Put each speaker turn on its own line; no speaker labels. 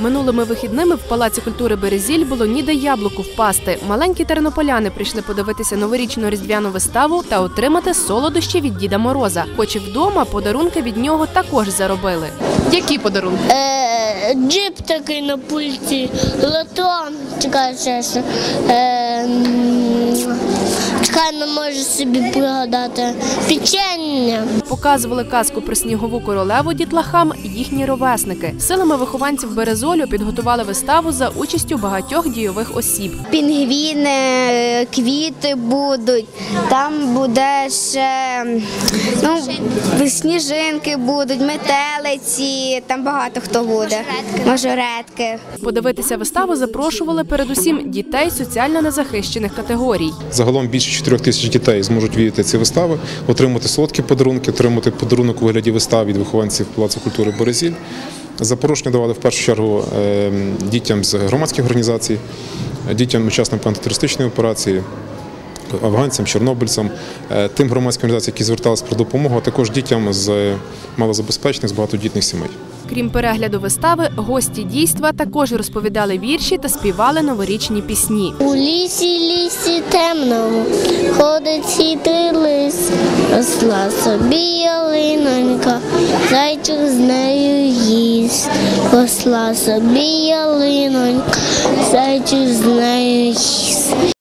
Минулими вихідними в Палаці культури «Березіль» було ніде яблуку впасти. Маленькі тернополяни прийшли подивитися новорічну різдвяну виставу та отримати солодощі від Діда Мороза. Хоч і вдома подарунки від нього також заробили. Які подарунки?
Джип такий на пульті, лотон, чекай, не можу собі пригадати, печення.
Показували казку про снігову королеву дітлахам їхні ровесники. Силами вихованців Березолю підготували виставу за участю багатьох дійових осіб.
Пінгвіни, квіти будуть, там буде ще сніжинки будуть, метелиці, там багато хто буде, мажоретки.
Подивитися виставу запрошували передусім дітей соціально незахищених категорій.
Загалом більше 4 тисяч дітей зможуть відвідати ці вистави, отримати солодкі подарунки, отримати подарунок у вигляді вистав від вихованців Палацу культури «Березіль». Запрошення давали в першу чергу дітям з громадських організацій, дітям учасникам антитерористичної операції, афганцям, чорнобильцям, тим громадським організаціям, які зверталися про допомогу, а також дітям з малозабезпечених, з багатодітних сімей.
Крім перегляду вистави, гості дійства також розповідали вірші та співали новорічні пісні.
У лісі темному ходить хитрий лис, росла собі ялинонька, зайчик з нею їсть. Росла собі ялинонька, зайчик з нею їсть.